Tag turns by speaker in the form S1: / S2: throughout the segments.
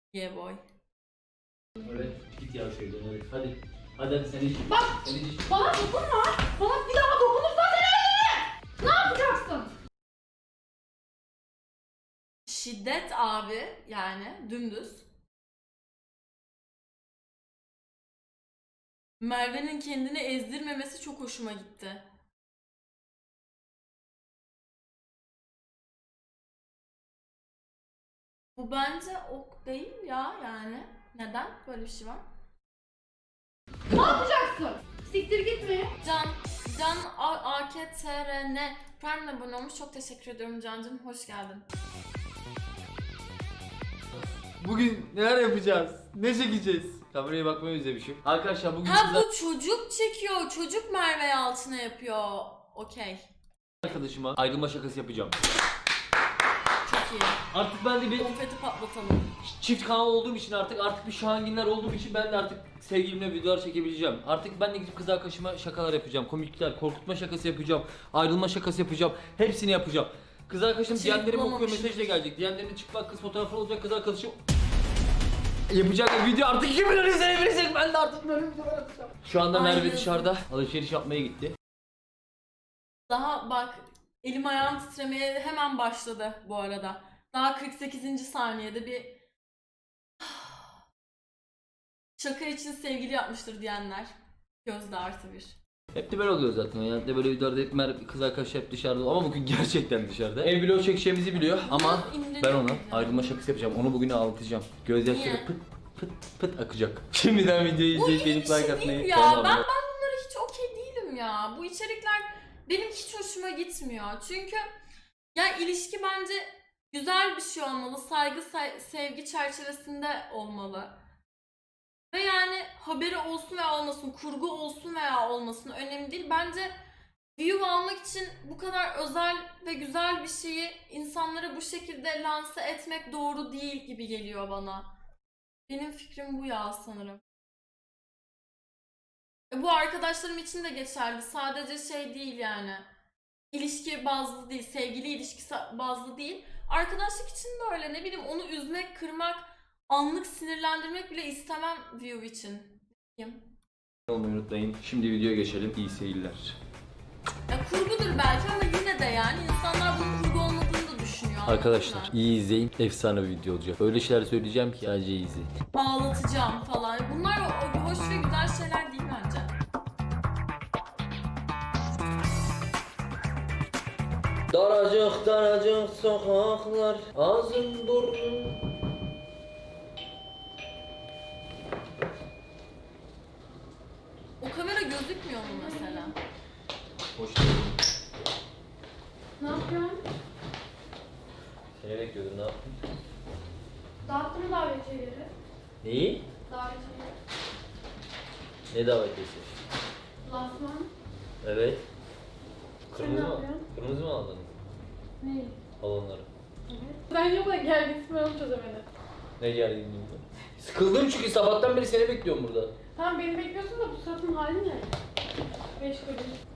S1: Yeah boy.
S2: Evet, git ya şeyden evet. Hadi. Hadi sen iç.
S1: Bak!
S2: Sen iç.
S1: Bana dokunma! Bana bir daha dokunursan seni öldürürüm! Ne yapacaksın? Şiddet abi yani dümdüz. Merve'nin kendini ezdirmemesi çok hoşuma gitti. Bu bence ok değil ya yani. Neden böyle bir şey var?
S3: Ne yapacaksın? Siktir gitme.
S1: Can AKTRN Prime'le abone olmuş. Çok teşekkür ediyorum Can'cığım. Hoş geldin.
S2: Bugün neler yapacağız? Ne çekeceğiz? Kameraya bakmayı özlemişim. Arkadaşlar bugün
S1: Ha bu çocuk çekiyor. Çocuk Merve Yalçın'a yapıyor. Okey.
S2: arkadaşıma ayrılma şakası yapacağım.
S1: Çok iyi.
S2: Artık ben de bir
S1: Konfeti patlatalım.
S2: çift kanal olduğum için artık bir Şahanginler olduğum için ben de artık sevgilimle videolar çekebileceğim. Artık ben de gidip kız arkadaşıma şakalar yapacağım. Komiklikler, korkutma şakası yapacağım. Ayrılma şakası yapacağım. Hepsini yapacağım. Kız arkadaşım
S1: Hiç
S2: diyenlerimi okuyor,
S1: yapılamamış.
S2: mesajla gelecek. Diyenlerinin çıplak kız fotoğrafı olacak, kız arkadaşım yapacak video artık 2 milyon izlenebilecek. Ben de artık böyle videolar atacağım. Şu anda Merve
S1: Aynen.
S2: dışarıda alışveriş yapmaya gitti.
S1: Daha bak elim ayağım titremeye hemen başladı bu arada. Daha 48. saniyede bir şaka için sevgili yapmıştır diyenler. Gözde artı bir.
S2: Hep de böyle oluyor zaten. Yani de böyle videolarda hep Merve kız arkadaş hep dışarıda ama bugün gerçekten dışarıda. Ev vlog çekeceğimizi biliyor ama ben ona ayrılma şakası yapacağım. Onu bugün ağlatacağım. Gözyaşları
S1: Niye?
S2: pıt pıt pıt akacak. Şimdiden videoyu
S1: Bu
S2: izleyip
S1: iyi
S2: benim
S1: bir şey
S2: like atmayı,
S1: değil ya.
S2: kanalıma
S1: Ben
S2: abone
S1: bunlara hiç okey değilim ya. Bu içerikler benim hiç hoşuma gitmiyor. Çünkü ya ilişki bence güzel bir şey olmalı. Saygı, sevgi çerçevesinde olmalı. Ve yani haberi olsun veya olmasın, kurgu olsun veya olmasın önemli değil. Bence view almak için bu kadar özel ve güzel bir şeyi insanlara bu şekilde lanse etmek doğru değil gibi geliyor bana. Benim fikrim bu ya sanırım. Bu arkadaşlarım için de geçerli. Sadece şey değil yani. İlişki bazlı değil, sevgili ilişkisi bazlı değil. Arkadaşlık için de öyle. Ne bileyim onu üzmek, kırmak, anlık sinirlendirmek bile istemem view için. Kim?
S2: olmayı unutmayın. Şimdi videoya geçelim. İyi seyirler.
S1: Ya kurgudur belki ama yine de yani insanlar bunun kurgu olmadığını da düşünüyor.
S2: Arkadaşlar
S1: anladın mı?
S2: iyi izleyin. Efsane bir video olacak. Öyle şeyler söyleyeceğim ki sadece iyi izleyin.
S1: Ağlatacağım falan. Bunlar hoş ve güzel şeyler değil bence.
S2: Daracık daracık sokaklar, ağzın burnun.
S1: O kamera gözükmüyor mu mesela?
S2: Hoş geldin.
S3: Ne yapıyorsun?
S2: Seni bekliyordum, ne yaptın?
S3: Dağıttın mı davetiyeleri?
S2: Neyi?
S3: Davetiyeleri.
S2: Ne davetiyesi?
S3: Lansman.
S2: Evet.
S3: Sen
S2: Kırmızı
S3: ne
S2: mı?
S3: yapıyorsun?
S2: Kırmızı mı aldınız?
S3: Ne?
S2: Balonları.
S3: Evet. Ben yok da geldi ismi onu çözemedim.
S2: Ne geldi burada? Sıkıldım çünkü sabahtan beri seni bekliyorum burada.
S3: Tamam beni bekliyorsun da bu suratın hali ne? Meşgulüm.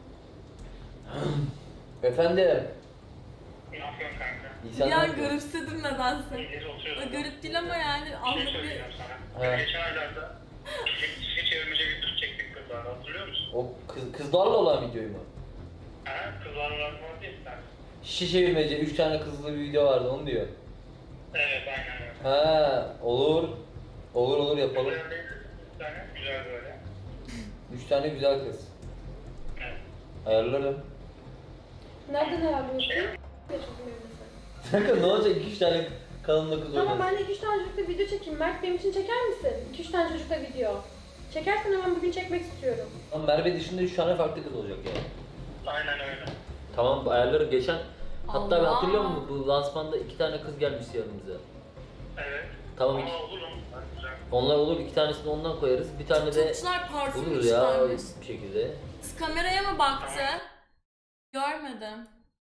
S2: Efendim.
S4: Ne yapıyorsun kanka?
S2: İyi
S1: Bir
S2: sen ne
S1: an
S2: yapıyorsun?
S1: garipsedim nedense.
S4: İyice oturuyorum.
S1: Garip değil ama yani
S4: Bir şey
S1: anlık bir...
S4: söyleyeceğim sana.
S2: He.
S4: Geçen aylarda şişe çevirmece videosu çektik kızlarla, hatırlıyor musun?
S2: O kızlarla olan videoyu mu?
S4: He, kızlarla olan değil mi sen?
S2: Şişe çevirmece 3 tane kızlı bir video vardı onu diyor.
S4: Evet, aynen öyle.
S2: Ha olur. Olur yapalım.
S4: Güzel değil mi? Bir tane güzel böyle.
S2: 3 tane güzel kız.
S4: Evet.
S2: Ayarlarım.
S3: Nereden ayarlıyorsun?
S4: Şey,
S2: Kanka ne olacak 2-3 tane kanalında kız
S3: Tamam
S2: oynasın.
S3: ben de 2-3 tane çocukla video çekeyim. Mert benim için çeker misin? 2-3 tane çocukla video. Çekersen hemen bugün çekmek istiyorum.
S2: Ama Merve dışında 3 tane farklı kız olacak yani.
S4: aynen öyle.
S2: Tamam ayarlarım geçen. Hatta
S1: Allah.
S2: hatırlıyor musun bu lansmanda 2 tane kız gelmişti yanımıza.
S4: Evet.
S2: Tamam,
S4: Ama
S2: iki-
S4: olur mu? Güzel.
S2: Onlar olur 2 tanesini ondan koyarız. Bir tane de
S1: Çocuklar parfüm
S2: olur ya
S1: içlermiş.
S2: bir şekilde.
S1: Kız kameraya mı baktı? Görmedim.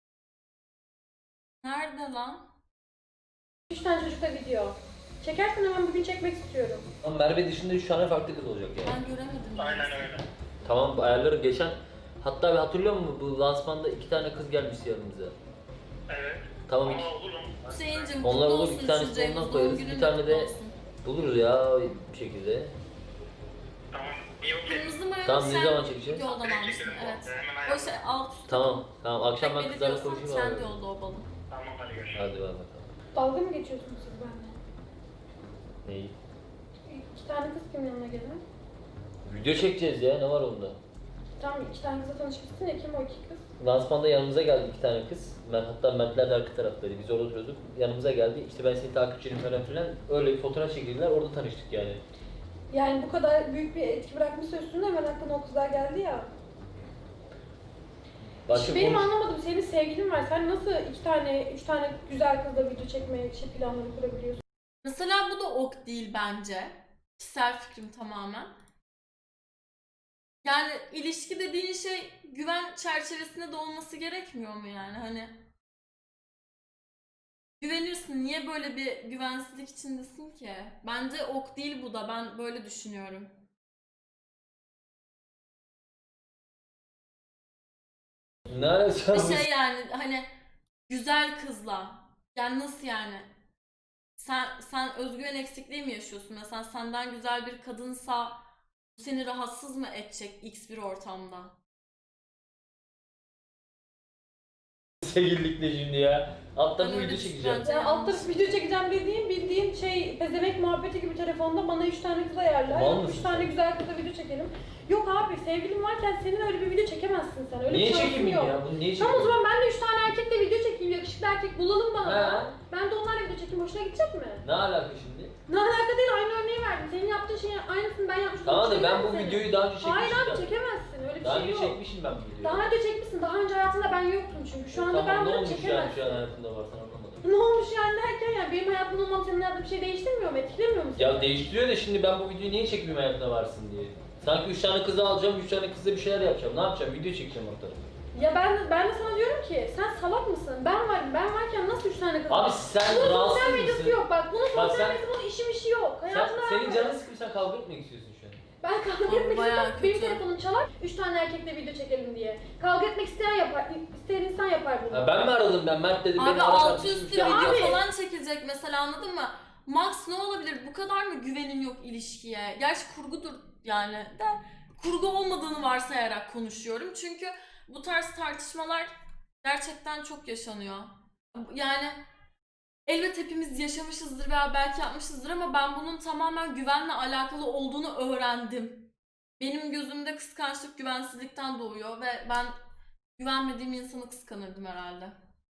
S1: Nerede lan?
S3: 3 tane çocukla video. Çekersen hemen bugün çekmek istiyorum.
S2: Ama Merve dışında 3 tane farklı kız olacak yani.
S1: Ben göremedim.
S4: Aynen öyle.
S2: Tamam ayarlarım geçen. Hatta hatırlıyor musun bu lansmanda 2 tane kız gelmişti yanımıza.
S4: Evet.
S2: Tamam,
S4: Ama
S2: iki-
S4: olur mu?
S1: Hüseyin'cim
S2: Onlar
S1: kutlu
S2: olur,
S1: olsun
S2: iki tanesini
S1: üçüncü
S2: ondan
S1: Eylül
S2: koyarız.
S1: doğum
S2: Bir
S1: günün
S2: tane
S1: kutlu
S2: de-
S1: olsun.
S2: Buluruz ya bir şekilde.
S4: Tamam. İyi okey.
S1: Kırmızı mayo
S2: Tamam, ne
S1: sen
S2: zaman çekeceğiz?
S1: yoldan almışsın,
S4: Çekelim.
S1: evet.
S4: Hemen
S1: O
S4: ayarlayalım.
S1: şey alt üst.
S2: Tamam akşam ben
S1: Beni
S2: kızlarla
S1: diyorsan
S2: konuşayım
S1: kendi
S2: abi.
S1: yolda o balon.
S4: Tamam hadi görüşürüz.
S2: Hadi bakalım.
S3: Dalga mı geçiyorsunuz siz benimle?
S2: Neyi?
S3: 2 tane kız kimin yanına gelir?
S2: Video çekeceğiz ya, ne var onda?
S3: Tamam 2 tane kızla tanışmışsın ya, kim o 2 kız?
S2: Lansmanda yanımıza geldi 2 tane kız. Hatta Mertler de arka taraftaydı. Biz orada oturuyorduk. Yanımıza geldi. İşte ben senin takipçinim falan filan. Öyle bir fotoğraf çekildiler. Orada tanıştık yani.
S3: Yani bu kadar büyük bir etki bırakmışsa üstünde hemen aklına o kızlar geldi ya.
S2: Başka
S3: Benim
S2: konuş-
S3: anlamadım, senin sevgilin var. Sen nasıl 2 tane, 3 tane güzel kızla video çekmeye planları kurabiliyorsun?
S1: Mesela bu da ok değil bence. Kişisel fikrim tamamen. Yani ilişki dediğin şey güven çerçevesinde de olması gerekmiyor mu yani? Hani güvenirsin. Niye böyle bir güvensizlik içindesin ki? Bence ok değil bu da. Ben böyle düşünüyorum.
S2: Ne alakası var?
S1: Bir şey yani hani güzel kızla. Yani nasıl yani? Sen özgüven eksikliği mi yaşıyorsun? Mesela senden güzel bir kadınsa bu seni rahatsız mı edecek X bir ortamda?
S2: Sevgililikle şimdi ya. Alt tarafı
S1: Ben öyle
S2: video çekeceğim.
S1: düşünüyorum.
S3: Ya alt tarafı video çekeceğim dediğin bildiğin şey pezevenk muhabbeti gibi telefonda bana 3 tane kız ayarlar.
S2: Mal
S3: 3
S2: mısın
S3: tane
S2: sen?
S3: güzel kızla video çekelim. Yok abi, sevgilin varken senin öyle bir video çekemezsin sen. Öyle
S2: Niye
S3: bir şansın
S2: çekeyim
S3: yok.
S2: ya? Bunu niye
S3: Tamam o
S2: çekeyim?
S3: zaman ben de 3 tane erkekle video çekeyim. Yakışıklı erkek bulalım bana.
S2: He.
S3: Ben de onlarla video çekeyim. Hoşuna gidecek mi?
S2: Ne alaka şimdi?
S3: Ne alaka değil, aynı örneği verdim. Senin yaptığın şeyin aynısını ben yapmıştım.
S2: Tamam da
S3: Hoşuna
S2: ben
S3: gider
S2: bu
S3: mi senin?
S2: videoyu daha önce çekmiştim.
S3: Hayır abi,
S2: zaten.
S3: çekemezsin. Öyle bir
S2: Daha
S3: şey
S2: önce
S3: yok.
S2: çekmişim ben bu videoyu.
S3: Daha önce çekmişsin. Daha önce hayatında ben yoktum çünkü. Şu anda
S2: Tamam,
S3: ben
S2: ne
S3: bunu
S2: olmuş yani
S3: çekemezsin.
S2: şu an hayatında var, sen anlamadım.
S3: Ne olmuş yani derken, yani benim hayatımda olmam senin hayatında bir şey değiştirmiyor mu? Etkilemiyor mu seni?
S2: Ya değiştiriyor da şimdi ben bu videoyu niye çekmeyeyim hayatına varsın diye. Sanki 3 tane kızı alacağım, 3 tane kızla bir şeyler yapacağım. Ne yapacağım? Video çekeceğim ortada.
S3: Ya ben de sana diyorum ki sen salak mısın? Ben varken nasıl 3 tane kız
S2: Abi
S3: var?
S2: sen
S3: Bunun
S2: rahatsız
S3: sosyal
S2: mısın?
S3: medyası yok bak. Bunun
S2: Bak
S3: sosyal
S2: sen-
S3: medyası, bunun işi yok. Hayatında
S2: Senin
S3: var.
S2: canın sıkıp sen kavga etmek istiyorsun şu an.
S3: Ben kavga
S1: Oğlum,
S3: etmek
S1: bayağı
S3: istiyorum. Benim
S1: kötü.
S3: telefonum çalar. 3 tane erkekle video çekelim diye. Kavga etmek isteyen yapar. İsteyen insan yapar bunu.
S2: Ha, ben mi aradım ben? Mert dedi
S1: Abi
S2: beni ara
S1: altı
S2: kardeşim.
S1: üstü
S3: Ya
S1: video
S3: abi.
S1: falan çekilecek mesela, anladın mı? Max ne olabilir? Bu kadar mı güvenin yok ilişkiye? Gerçi kurgudur yani de, kurgu olmadığını varsayarak konuşuyorum. Çünkü bu tarz tartışmalar gerçekten çok yaşanıyor. Yani elbet hepimiz yaşamışızdır veya belki yapmışızdır ama ben bunun tamamen güvenle alakalı olduğunu öğrendim. Benim gözümde kıskançlık güvensizlikten doğuyor ve ben güvenmediğim insanı kıskanırdım herhalde.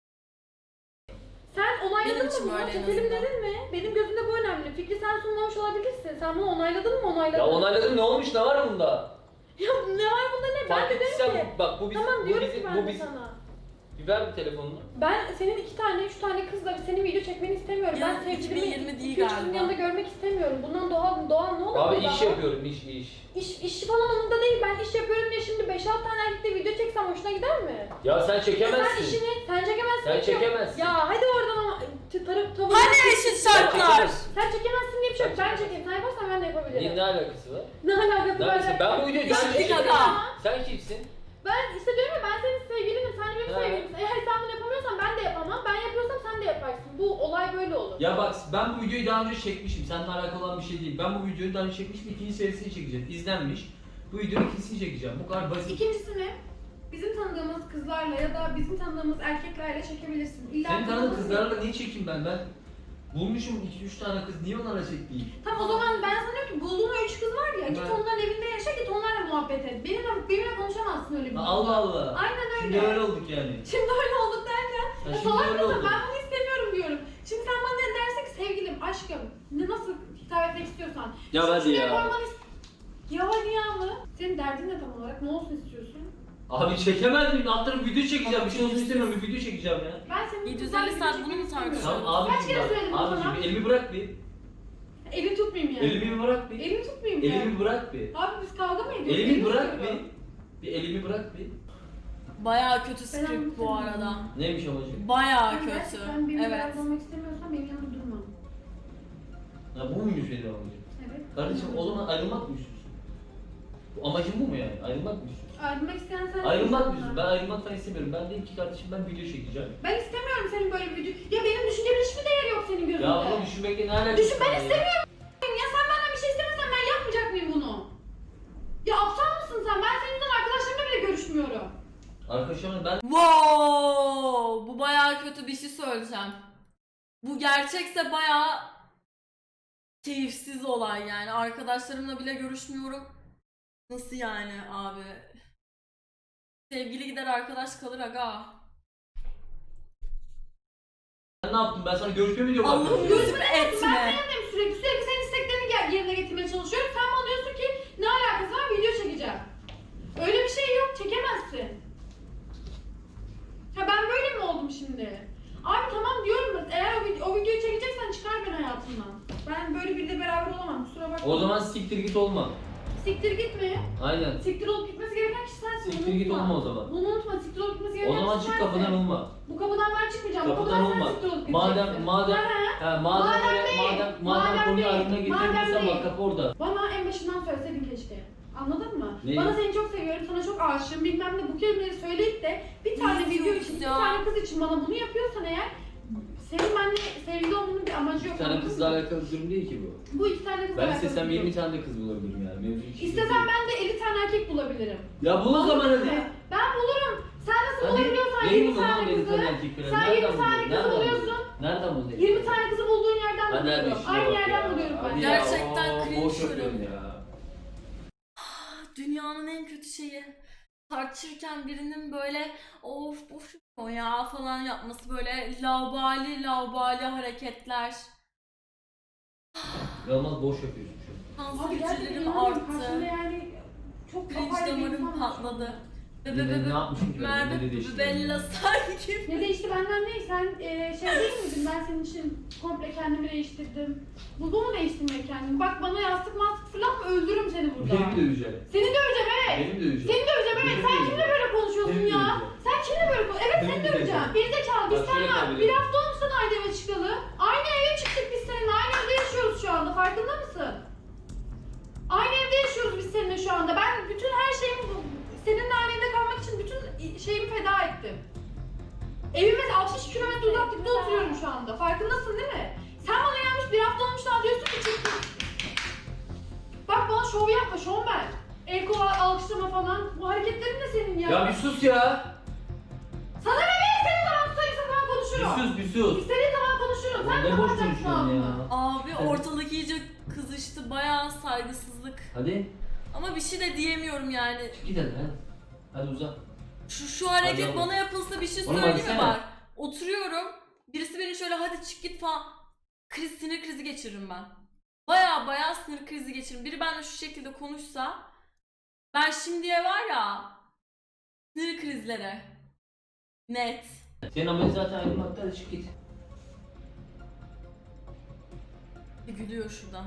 S3: Sen onayladın
S1: Benim
S3: mı
S1: için
S3: bunu?
S1: böyle en
S3: Çekelim
S1: azından.
S3: dedin mi? Benim gözümde bu önemli. Fikri sen sunmamış olabilirsin. Sen bunu onayladın mı? Onayladın.
S2: Ya onayladım, ne olmuş, ne var bunda?
S3: Ya ne var bunda ne? Ben
S2: Fark
S3: de dedim
S2: ettiysen
S3: ki.
S2: bak bu bizim,
S3: Tamam
S2: bu
S3: diyorum ki
S2: bizim,
S3: ben
S2: bu
S3: de
S2: bizim.
S3: sana.
S2: Bir ver bir telefonunu.
S3: Ben senin 2 tane, 3 tane kızla senin video çekmeni istemiyorum.
S1: Ya,
S3: Ben sevgilimi
S1: 2020 değil
S3: 2-3 kızın
S1: galiba.
S3: yanında görmek istemiyorum. Bundan doğal ne olur?
S2: Abi
S3: burada?
S2: iş yapıyorum, iş.
S3: İş falan onunda değil. Ben iş yapıyorum diye şimdi 5-6 tane erkekle video çeksem hoşuna gider mi?
S2: Ya sen
S3: Sen
S2: çekemezsin.
S3: sen çekemezsin.
S2: Sen
S3: diye-
S2: çekemezsin.
S3: Ya hadi oradan ama tavır.
S1: Hani eşit
S2: Sen
S1: şartlar?
S2: çekemezsin.
S3: Sen çekemezsin diye bir şey yok.
S2: Sen
S3: Ben çekeyim. Sen yaparsan ben de yapabilirim.
S2: Ne alakası var?
S3: Ne alakası
S2: Ne
S3: var?
S2: alakası? Ben bu videoyu daha önce
S1: Pislik
S2: çektim.
S1: adam.
S2: Sen kimsin?
S3: Ben işte diyorum ya, ben senin sevgilinim. Sen de benim
S2: Ha.
S3: sevgilimsin. Eğer sen bunu yapamıyorsan ben de yapamam. Ben yapıyorsam sen de yaparsın. Bu olay böyle olur.
S5: Ya bak ben bu videoyu daha önce çekmişim. Seninle alakalı olan bir şey değil. Ben bu videoyu daha önce çekmişim. İkinci serisini çekeceğim. İzlenmiş. Bu videonun ikincisini çekeceğim. Bu kadar basit.
S3: İkincisini bizim tanıdığımız kızlarla ya da bizim tanıdığımız erkeklerle çekebilirsin. İlla
S5: Senin tanıdığın
S3: tanıdığımız-
S5: kızlarla niye çekeyim ben? Ben bulmuşum 2-3 tane kız. Niye onlarla çekmeyeyim?
S3: Tamam o zaman ben sana diyorum ki bulduğun o 3 kız var ya, git
S5: Ben-
S3: onların evinde yaşa, git onlarla muhabbet et. Benimle konuşamazsın öyle bir
S5: Ha,
S3: şey.
S5: Allah Allah.
S3: Aynen öyle.
S5: Şimdi öyle olduk yani.
S3: Şimdi öyle olduk derken,
S5: Ha,
S3: ya
S5: şimdi
S3: salak
S5: öyle
S3: mısın?
S5: olduk.
S3: Ben bunu istemiyorum diyorum. Şimdi sen bana ne dersin ki sevgilim, aşkım, ne nasıl hitap etmek istiyorsan.
S5: Ya
S3: Şimdi
S5: hadi
S3: şuraya
S5: ya.
S3: koymanı Ya hadi ya mı? Senin derdin ne tam olarak? Ne olsun istiyorsun?
S5: Abi çekemez miyim? Alt tarafı video çekeceğim. Bir şey olsun istemiyorum. Bir video çekeceğim ya.
S3: Ben senin
S1: 750
S3: kızlarla
S1: saat
S3: video
S1: bunu mu
S3: çekmek
S1: tartışıyorsun?
S3: istemiyorum.
S5: Tamam
S3: Kaç
S5: abicim
S3: kere
S5: bak.
S3: söyledim sana?
S5: Abicim elimi bırak bir.
S3: Elini tutmayayım yani.
S5: Elimi bir bırak bir.
S3: Elimi tutmayayım yani.
S5: Elimi bırak bir.
S3: Abi biz kavga mı ediyoruz?
S5: Elimi bırak
S3: tutuyorum.
S5: bir. Bir elimi bırak bir.
S1: Bayağı kötü
S3: Ben
S1: script bu
S3: anlatayım.
S1: arada.
S5: Neymiş amacım?
S1: Bayağı
S3: Ben
S1: kötü.
S3: gerçekten benimle
S1: Evet.
S3: beraber olmak istemiyorsan benim yanımda durma.
S5: Ya bu muymuş benim amacım?
S3: Evet.
S5: Kardeşim o zaman ayrılmak mı istiyorsun? Bu amacın bu mu yani? Ayrılmak mı istiyorsun?
S3: Ayrılmak isteyen sen.
S5: Ayrılmak mı istiyorsun? Ben ayrılmak falan istemiyorum. Ben dedim ki kardeşim ben video çekeceğim.
S3: Ben istemiyorum senin böyle bir video. Ya benim düşüncemin hiçbir değeri yok senin gözünde.
S5: Ya bunu düşünmekle ne alakası
S3: Düşün, ben
S5: var ya?
S3: istemiyorum
S5: Arkadaşlarımla ben
S1: Wow! Bu bayağı kötü bir şey söyleyeceğim. Bu gerçekse bayağı keyifsiz olay yani. Arkadaşlarımla bile görüşmüyorum. Nasıl yani abi? Sevgili gider arkadaş kalır aga.
S5: ne yaptım? Ben sana görüşme mi diyorum
S1: Allah'ım
S5: arkadaşlar?
S1: lütfen etme.
S3: Sürekli senin isteklerini yerine getirmeye çalışıyorum. Sen bana diyorsun ki ne alakası var, video çekeceğim. Öyle bir şey yok, çekemezsin. Ha ben böyle mi oldum şimdi? Abi tamam diyorum da eğer o videoyu çekeceksen çıkar beni hayatımdan. Ben böyle biriyle beraber olamam, kusura bakma.
S5: O zaman siktir git olma.
S3: Siktir gitme.
S5: Aynen.
S3: Siktir olup gitmesi gereken kişi sensin.
S5: Siktir
S3: bunu
S5: git
S3: unutma.
S5: olma o zaman.
S3: Bunu unutma, siktir olup gitmesi
S5: O
S3: gereken
S5: zaman
S3: kişi
S5: çık
S3: sensin.
S5: kapıdan olma.
S3: Bu kapıdan ben çıkmayacağım. Bu
S5: Kapıdan
S3: kapıdan sen
S5: olma.
S3: siktir olup gideceksin.
S5: Madem konuyu aklına getirdiysen
S3: değil.
S5: bak kapı orada.
S3: Bana en başından söyleseydin keşke. Anladın mı?
S5: Neyi?
S3: Bana seni çok seviyorum, sana çok aşığım bilmem ne bu kelimeleri söyleyip de bir tane
S1: Ne
S3: video
S1: diyorsun
S3: için, bir
S1: ya?
S3: tane kız için bana bunu yapıyorsan eğer senin benimle sevgili olmanın bir amacı yok.
S5: Bir tane
S3: anladın
S5: kızla
S3: mı?
S5: alakalı bir durum değil ki bu.
S3: Bu iki tane kızla
S5: Ben
S3: alakalı
S5: istesem
S3: bir durum.
S5: 20 tane de kız bulabilirim yani. Mevzu hiç
S3: İstesem ben de 50 tane erkek bulabilirim.
S5: Ya bul o zaman
S3: Anladın
S5: hadi.
S3: mı? Ben bulurum. Sen nasıl
S5: Hadi.
S3: bulabiliyorsan
S5: Neyi
S3: 20
S5: buldun lan
S3: tane
S5: benim
S3: kızı,
S5: tane erkek falan?
S3: sen 20 tane
S5: Nereden
S3: kızı
S5: buldun?
S3: buluyorsun.
S5: Nereden buldun?
S3: 20 tane kızı bulduğun yerden
S5: Ben nerede
S3: buluyorum.
S5: işine
S3: Aynı
S5: bak
S3: yerden
S5: ya.
S3: buluyorum ben.
S5: Hadi ya,
S1: Gerçekten
S5: oo,
S1: cringe
S5: boş yapıyorsun
S1: yorum.
S5: ya.
S1: Dünyanın en kötü şeyi. Tartışırken birinin böyle of boş o ya falan yapması, böyle laubali hareketler.
S5: Yalnız boş yapıyorsun şu an.
S3: Abi gerçekten
S1: Tansiyonlarım
S3: inanamıyorum.
S1: arttı.
S3: Karşımda yani çok
S1: Cringe
S3: apayrı bir
S1: damarım
S3: insan var.
S1: patladı.
S5: Ne yapmışım ki ben? Ne
S1: Merve
S5: dedi işte?
S1: Bella sanki.
S3: Ne değişti benden ne? Sen şey değil miydin? Ben senin için komple kendimi değiştirdim. Bu mu değiştirmek kendimi? Bak bana yastık mastık fırlatma, öldürürüm seni burada.
S5: Beni döveceğim.
S3: Seni döveceğim evet.
S5: Beni döveceğim.
S3: Seni döveceğim evet. Sen kimle böyle konuşuyorsun
S5: Seni
S3: ya?
S5: döveceğim.
S3: Sen kimle böyle konuşuyorsun? Evet seni
S5: Seni
S3: döveceğim.
S5: döveceğim.
S3: Gerizekalı biz
S5: Bak şöyle
S3: seninle
S5: kabul
S3: bir
S5: et.
S3: hafta olmuş sana aynı eve çıkalı. Aynı eve çıktık biz seninle. Aynı evde yaşıyoruz şu anda. Farkında mısın? Aynı evde yaşıyoruz biz seninle şu anda. Ben bütün her şeyimi seninle aynı evde kalmak için bütün şeyimi feda ettim. Evime 60 kilometre uzaklıkta oturuyorum şu anda. Farkındasın değil mi? Sen bana gelmiş bir hafta olmuş daha diyorsun ki çıktım. Bak bana şov yapma, şovmen. El kol alkışlama falan. Bu hareketlerin de senin ya.
S5: Ya bir sus ya.
S3: Sana ne be? İstediğin zaman tutarsa falan konuşurum.
S5: Bir sus bir sus.
S3: İstediğin zaman konuşurum. Sen
S5: Ne boş
S3: kapatacaksın
S5: konuşuyorsun ya.
S3: ağzını.
S1: Abi ortalık iyice kızıştı. Bayağı saygısızlık.
S5: Hadi.
S1: Ama bir şey de diyemiyorum yani.
S5: Çık git hadi. Hadi uzat.
S1: Şu hareket
S5: Hadi
S1: bana yapılsa bir şey
S5: Oğlum
S1: söyleyeyim mi
S5: baksana.
S1: bak. Oturuyorum. Birisi beni şöyle hadi çık git falan. Sinir krizi geçiririm ben. Bayağı sinir krizi geçiririm. Biri benimle şu şekilde konuşsa ben şimdiye var ya sinir krizlere. Net.
S5: Senin amacın zaten ayrılmakta, hadi çık git.
S1: Gülüyor şuradan.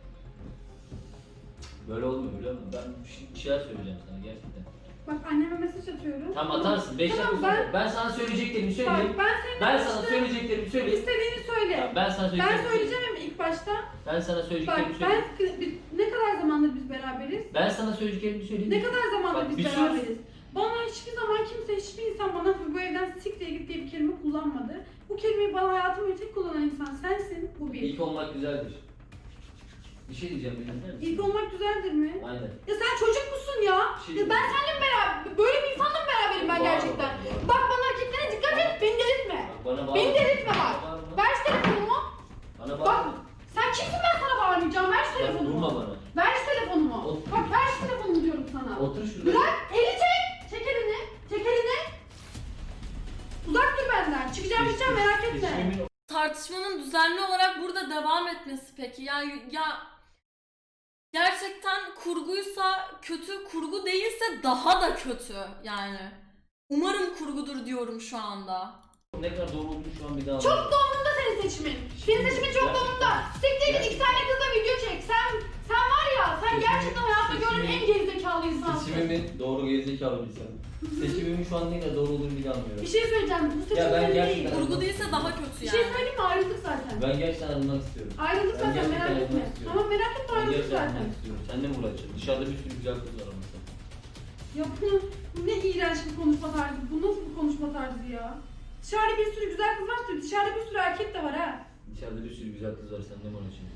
S5: Böyle olmuyor biliyor musun? Ben bir şeyler söyleyeceğim sana gerçekten.
S3: Bak anneme mesaj atıyorum.
S5: Tamam atarsın. 5
S3: Tamam,
S5: dakika ben sana söyleyeceklerimi söyleyeyim.
S3: Bak ben senin
S5: Ben sana söyleyeceklerimi söyleyeyim.
S3: İstediğini söyle.
S5: Tamam, ben sana
S3: Ben
S5: söyleyeceklerimi
S3: söyleyeceğim ama ilk başta.
S5: Ben sana
S3: Bak
S5: söyleyeceklerimi
S3: ben
S5: söyleyeyim.
S3: ne kadar zamandır biz beraberiz?
S5: Ben sana söyleyeceklerimi söyleyeyim.
S3: Ne kadar zamandır
S5: Bak,
S3: biz
S5: bir sus.
S3: beraberiz? Bana hiçbir zaman kimse, hiçbir insan bana bu evden siktir git diye bir kelime kullanmadı. Bu kelimeyi bana hayatımda tek kullanan insan sensin. Bu bir.
S5: İlk olmak güzeldir. Bir şey diyeceğim dinler misin?
S3: İlk olmak güzeldir mi?
S5: Aynen.
S3: Ya sen çocuk musun ya?
S5: Bir şey
S3: Ya ben seninle mi beraber, böyle bir insanla mı beraberim ben
S5: Bağırma,
S3: gerçekten?
S5: bağırma.
S3: Bak bana hareketlere dikkat et, beni delirtme.
S5: Bak bana bağırma.
S3: Beni delirtme bak.
S5: Bana bağırma.
S3: Ver şu telefonumu.
S5: Bana
S3: Bak
S5: bağırma.
S3: sen kimsin, ben sana bağırmayacağım. Ver şu
S5: Bak
S3: telefonumu.
S5: vurma bana.
S3: Ver şu telefonumu.
S5: Otur.
S3: Bak ver şu telefonumu diyorum sana.
S5: Otur şurada.
S3: Bırak, eli çek. Çek elini. Çek elini. Uzak dur benden. Çıkacağım gideceğim merak etme.
S5: Seçimimin
S1: Tartışmanın düzenli olarak burada devam etmesi peki? Yani ya gerçekten kurguysa kötü, kurgu değilse daha da kötü yani. Umarım kurgudur diyorum şu anda.
S5: ne kadar doğru olduğunu şu an bir daha
S3: Çok
S5: anlıyorum.
S3: da umurumda senin seçimin. Senin seçimin çok da umurumda. Siktir git, iki tane kızla video çek. Sen var ya, sen gerçekten hayatımda gördüğüm en gerizekalı insansın.
S5: Seçimimin doğru gerizekalı bir insan. Seçimimin şu an ne kadar doğru olduğunu bile anlıyorum.
S3: Bir şey söyleyeceğim, bu seçim
S5: Ya ben
S3: senin değil.
S5: gerçekten-
S1: Kurgu değilse daha kötü
S3: Bir şey
S1: yani.
S3: söyleyeyim mi? Ayrıldık zaten.
S5: Ben gerçekten ayrılmak istiyorum.
S3: Ayrıldık
S5: Ben
S3: zaten,
S5: gerçekten
S3: merak etme.
S5: ayrılmak istiyorum.
S3: Tamam merak etme,
S5: Ben
S3: ayrıldık
S5: gerçekten
S3: zaten.
S5: ayrılmak istiyorum. Seninle mi uğraşacağım? Dışarıda bir sürü güzel kız var ama sen.
S3: Ya bu ne iğrenç bir konuşma tarzı. Bu nasıl bir konuşma tarzı ya? Dışarıda bir sürü güzel kız var, dışarıda bir sürü erkek de var ha.
S5: Dışarıda bir sürü güzel kız var. Seninle mi uğraşacağım?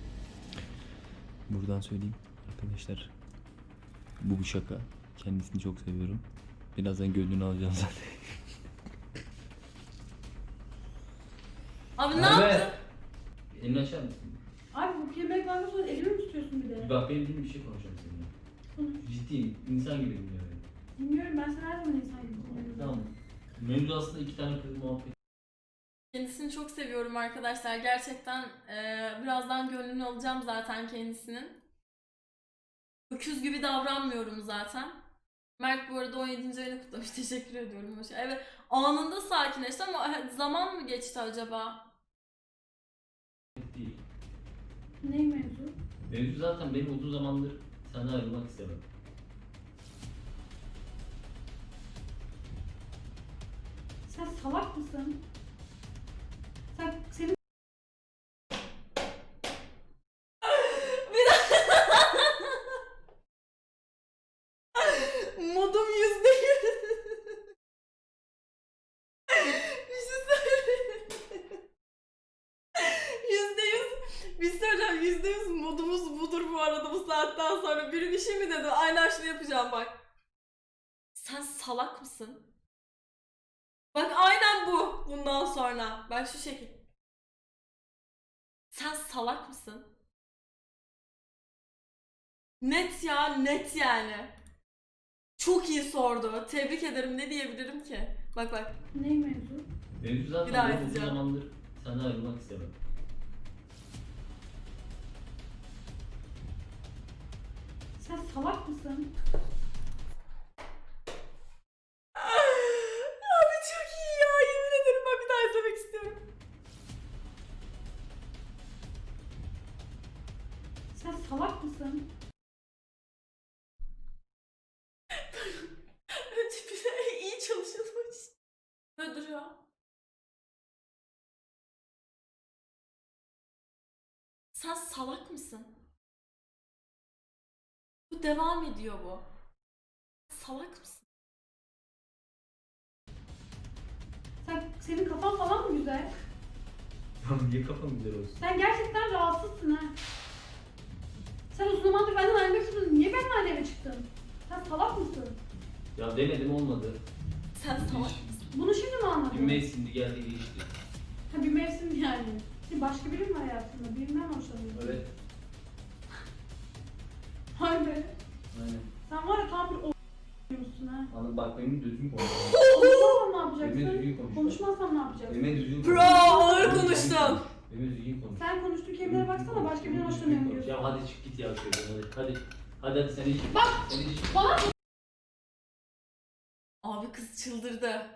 S6: Buradan söyleyeyim arkadaşlar. Bu bir şaka. Kendisini çok seviyorum.
S2: Birazdan gönlünü alacağım zaten.
S1: Abi ne
S5: Merve.
S1: yaptın?
S5: Elini açar mısın?
S3: Abi bu kelimeyi vermek sonra elimi mi tutuyorsun bir de?
S5: Bak benim bildiğim bir şey konuşacağım seninle.
S3: Konuş.
S5: Ciddiyim. İnsan gibi dinliyor beni.
S3: Bilmiyorum, ben sana her zaman insan gibi konuşuyorum.
S5: Tamam. Mevzu aslında iki tane kız muhabbet.
S1: Kendisini çok seviyorum arkadaşlar. Gerçekten birazdan gönlünü alacağım zaten kendisinin. Öküz gibi davranmıyorum zaten. Mert bu arada 17. ayını kutlamış. Teşekkür ediyorum. Evet, anında sakinleşti ama zaman mı geçti acaba?
S5: Değil.
S3: Ne mevzu?
S5: Mevzu zaten benim uzun zamandır senden ayrılmak istemem.
S3: Sen salak mısın? Senin
S1: Modum %100. Bir şey söyleyeyim. %100. Bir şey söyleyeceğim. %100 modumuz budur bu arada bu saatten sonra. Biri bir şey mi dedi? Aynen şunu yapacağım bak. Sen salak mısın? Bak aynen bu. Bundan sonra. Bak şu şekil. Sen salak mısın? Net ya, net yani. Çok iyi sordu. Tebrik ederim. Ne diyebilirim ki? Bak bak.
S3: ne mevzu?
S5: Mevzu
S1: Bir
S5: zaten
S1: daha
S5: benim uzun
S1: yazacağım.
S5: zamandır senden ayrılmak istemem.
S3: Sen salak mısın?
S1: Abi çok iyi ya. Yemin ederim ben bir daha izlemek istiyorum.
S3: Sen salak mısın?
S1: Önce bir de iyi çalışılmış. Böyle duruyor. Sen salak mısın? Bu devam ediyor bu. Salak mısın?
S3: Senin kafan falan mı güzel?
S5: Tamam niye kafam güzel olsun?
S3: Sen gerçekten rahatsızsın ha. Sen uzun zamandır benden ayrılmak istiyordun. Niye benimle aynı eve çıktın? Sen salak mısın?
S5: Ya denedim olmadı.
S1: Sen salak mısın?
S3: Bunu şimdi mi anladın?
S5: Bir mevsimdi geldi geçti.
S3: Ha, bir mevsim yani. Şimdi başka biri mi hayatında? Birinden hoşlanıyorsun.
S5: Evet.
S3: Hay be.
S5: Aynen.
S3: Sen var ya tam bir o***yorsun ha.
S5: Anladım bak benim düzgün konuş.
S3: Konuşmazsan ne
S5: Benimle
S3: yapacaksın?
S5: düzgün konuş.
S3: Konuşmazsan ne yapacaksın?
S5: Benimle düzgün konuş.
S1: Bro, ağır
S5: Benimle düzgün
S1: konuştun.
S5: konuş. Benimle düzgün konuş.
S3: Sen konuştuğun kelimelere baksana, başka birinden hoşlanıyorum diyorsun.
S5: Ya hadi çık git ya şöyle hadi. Hadi sen iç.
S3: Bak!
S5: Sen iç.
S3: Bana
S1: Abi kız çıldırdı.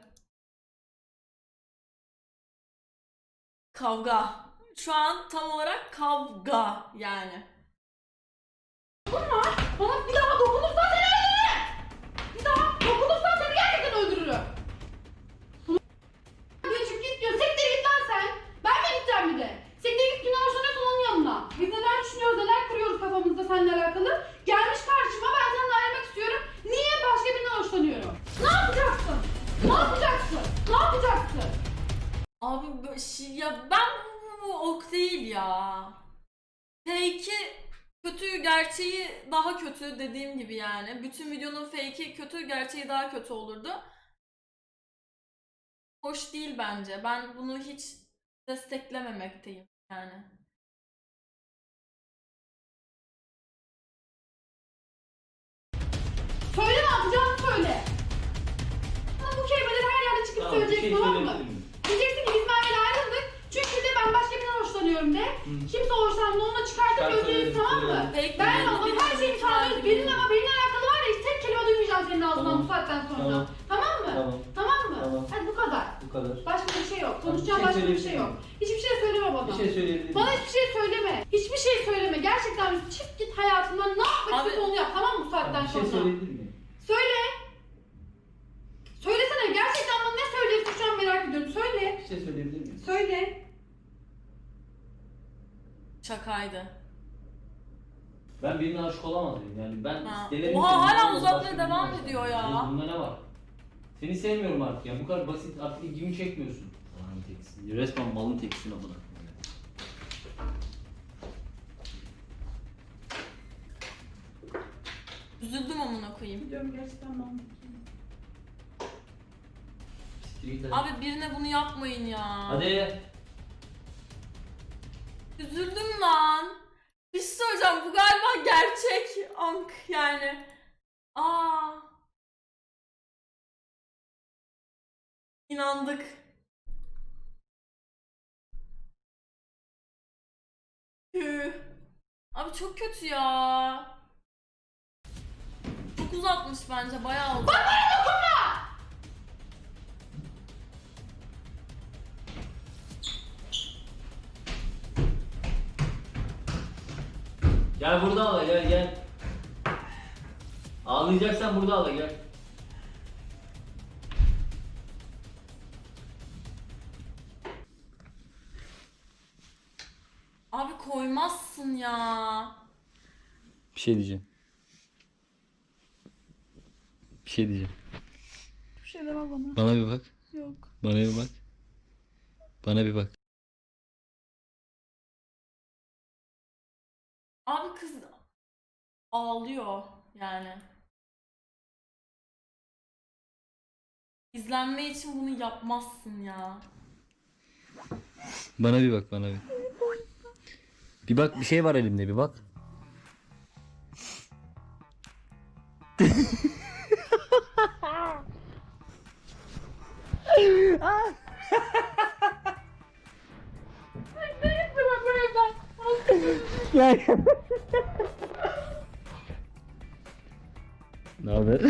S1: Kavga. Şu an tam olarak kavga yani.
S3: Bana bir daha dokunursan seni öldürürüm! Bir daha dokunursan seni gerçekten öldürürüm! Diyor çık git diyor. Siktir git lan sen! Ben mi gideceğim bir de? Siktir git, kimden hoşlanıyorsan onun yanına. Biz neler düşünüyoruz, neler kuruyoruz kafamızda seninle alakalı. Gelmiş karşıma, ben seninle ayrılmak istiyorum. Niye başka birinden hoşlanıyorum? Ne yapacaksın? Ne yapacaksın? Ne yapacaksın?
S1: Abi ya ben bu ok değil ya. Fake'i kötü, gerçeği daha kötü dediğim gibi yani. Bütün videonun fake'i kötü, gerçeği daha kötü olurdu. Hoş değil bence. Ben bunu hiç desteklememekteyim yani.
S3: Söyle, ne yapacağını söyle. Bana bu kelimeleri her yerde çıkıp
S5: Tamam bir şey
S3: söyleyeceksin, tamam mı?
S5: söyleyebilir miyim?
S3: Diyeceksin ki biz Merve'yle ayrıldık. Çünkü de ben başka birinden hoşlanıyorum de. Kimse hoşlanmıyor, onunla çıkartıp
S5: Çıkar
S3: öldürürüz,
S5: söyleriz,
S3: tamam mı?
S5: söyleriz.
S1: Fake
S3: Ben
S1: değil,
S3: oğlum her şeyi
S1: ihtimal
S3: kaldırıp
S1: değil.
S3: benimle ama benimle alakalı var ya hiç tek kelime duymayacağım senin ağzından
S5: Tamam.
S3: bu saatten sonra.
S5: Tamam.
S3: Tamam mı?
S5: Tamam.
S3: Tamam mı?
S5: Tamam.
S3: Hadi bu kadar.
S5: Bu kadar.
S3: Başka bir şey yok.
S5: Tamam,
S3: Konuşacağım
S5: bir şey
S3: başka bir şey
S5: söyleyebilir
S3: yok.
S5: miyim?
S3: Hiçbir şey söyleme bana.
S5: Bir şey söyleyebilir
S3: Bana
S5: miyim?
S3: hiçbir şey söyleme. Hiçbir şey söyleme. Gerçekten çık git hayatından, ne yapmak
S1: Abi-
S3: istiyorsan onu yap, tamam mı bu saatten
S5: Bir şey
S3: sonra?
S5: söyleyebilir miyim?
S3: Söyle. Söylesene, gerçekten bana ne söylüyorsun şu an merak ediyorum. Söyle.
S5: Bir şey söyleyebilir miyim?
S3: Söyle.
S1: Şakaydı.
S5: Ben birine aşık olamaz mıyım? Yani ben
S1: Ha.
S5: denerim
S1: Oha,
S5: ki,
S1: hala
S5: başka
S1: uzatmaya
S5: birine
S1: devam
S5: aşık
S1: ediyor
S5: olamam.
S1: ya.
S5: Bunda ne var? Seni sevmiyorum artık yani bu kadar basit artık ilgimi çekmiyorsun. Malın teksin. Resmen malın teksin amına.
S1: Üzüldüm amına koyayım.
S3: Biliyorum, gerçekten mantıklı.
S5: git hadi.
S1: Abi birine bunu yapmayın ya.
S5: Hadi.
S1: Üzüldüm lan. Bir şey söyleyeceğim, bu galiba gerçek Ank yani. Aa. İnandık. Tüh. Abi çok kötü ya. Çok uzatmış bence, bayağı uzatmış.
S5: Gel burada ağla gel gel. Ağlayacaksan burada ağla gel.
S1: Abi koymazsın ya.
S2: Bir şey diyeceğim. Bir şey diyeceğim.
S3: Bir şey deme bana.
S2: Bana bir bak.
S3: Yok.
S2: Bana bir bak. Bana bir bak.
S1: Abi kız ağlıyor yani. İzlenme için bunu yapmazsın ya.
S2: Bana bir bak, bana bir. Bir bak, bir şey var elimde, bir bak. Ne haber?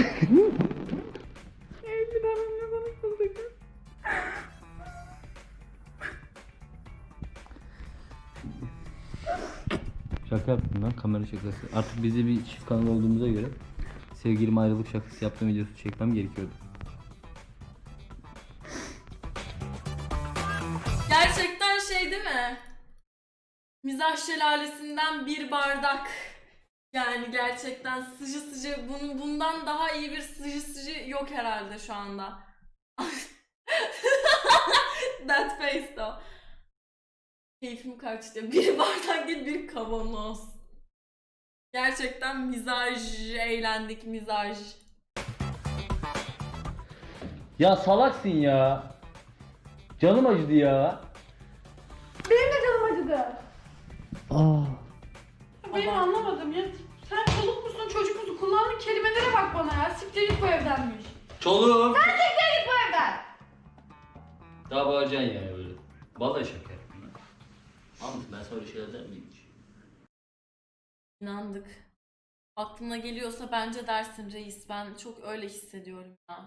S2: Şaka yaptım lan, kamera şakası. Artık bizi bir çift kanal olduğumuza göre sevgilim ayrılık şakası yaptığım videosu çekmem gerekiyordu.
S1: Gerçekten şey değil mi? Mizah şelalesinden bir bardak. Yani gerçekten sıcı sıcı, bundan daha iyi bir sıcı sıcı yok herhalde şu anda. That face though. Keyfim kaçtı. Bir bardak değil, bir kavanoz. Gerçekten mizaj, eğlendik mizaj.
S2: Ya salaksın ya. Canım acıdı ya.
S3: Benim de canım acıdı.
S2: Aa.
S3: Benim
S1: Aman.
S3: anlamadım ya. Sen çoluk musun çocuk musun? Kullandığın kelimelere bak bana ya. Siktir git bu evdenmiş.
S5: Çoluğum.
S3: Siktir git bu evden.
S5: Daha bağıracaksın yani böyle. Vallahi şaka yaptım lan. Anladım ben sana öyle şeyler der miyim hiç?
S1: İnandık. Aklına geliyorsa bence dersin reis. Ben çok öyle hissediyorum ya.